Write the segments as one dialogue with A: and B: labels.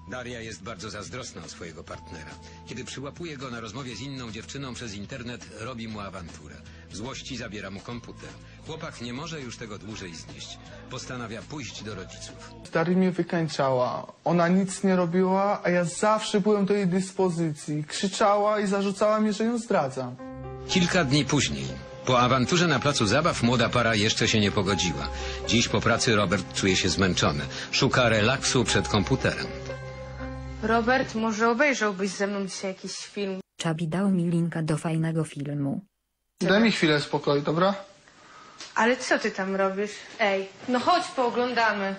A: Daria jest bardzo zazdrosna o swojego partnera. Kiedy przyłapuje go na rozmowie z inną dziewczyną przez internet, robi mu awanturę. W złości zabiera mu komputer. Chłopak nie może już tego dłużej znieść. Postanawia pójść do rodziców.
B: Daria mnie wykańczała. Ona nic nie robiła, a ja zawsze byłem do jej dyspozycji. Krzyczała i zarzucała mi, że ją zdradzam.
A: Kilka dni później, po awanturze na placu zabaw, młoda para jeszcze się nie pogodziła. Dziś po pracy Robert czuje się zmęczony. Szuka relaksu przed komputerem.
C: Robert, może obejrzałbyś ze mną dzisiaj jakiś film?
D: Czabi dał mi linka do fajnego filmu.
B: Daj mi chwilę spokoju, dobra?
C: Ale co ty tam robisz? Ej, no chodź pooglądamy.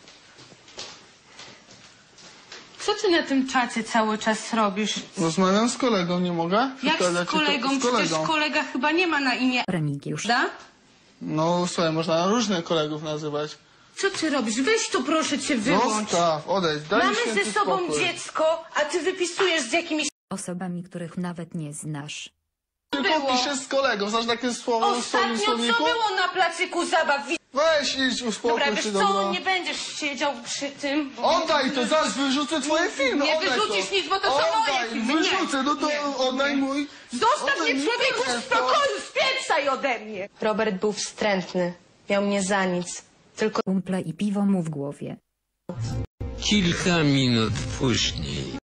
C: Co ty na tym czacie cały czas robisz?
B: Rozmawiam z kolegą, nie mogę?
C: Jak
B: Przeszkadzać
C: z
B: ci to-
C: kolegą? Przecież kolega chyba nie ma na imię
D: Remigiusz.
C: Da?
B: No słuchaj, można różnych kolegów nazywać.
C: Co ty robisz? Weź to proszę cię wyłącz.
B: Zostaw, odejdź, daj mi
C: Mamy
B: święty
C: ze sobą
B: spokój.
C: dziecko, a ty wypisujesz z jakimiś...
D: Osobami, których nawet nie znasz.
B: Tylko
C: było.
B: piszę z kolegą, znasz takie słowo w swoim
C: Ostatnio co
B: słowniku?
C: było na placyku zabaw?
B: Weź idź, uspokój
C: Dobra,
B: się,
C: wiesz
B: dobra.
C: co, nie będziesz siedział przy tym. bo-
B: Oddaj to, zaraz wyrzucę twoje filmy,
C: Nie
B: oddaj
C: wyrzucisz
B: to.
C: nic, bo to są moje
B: Oddaj,
C: filmy, nie.
B: wyrzucę, no to
C: Nie.
B: oddaj mój.
C: Zostaw
B: Oddaj
C: mnie,
B: mi
C: człowieku,
B: telefon.
C: w spokoju, spieprzaj ode mnie! Robert był wstrętny, miał mnie za nic, tylko...
D: Kumple i piwo mu w głowie.
A: Kilka minut później.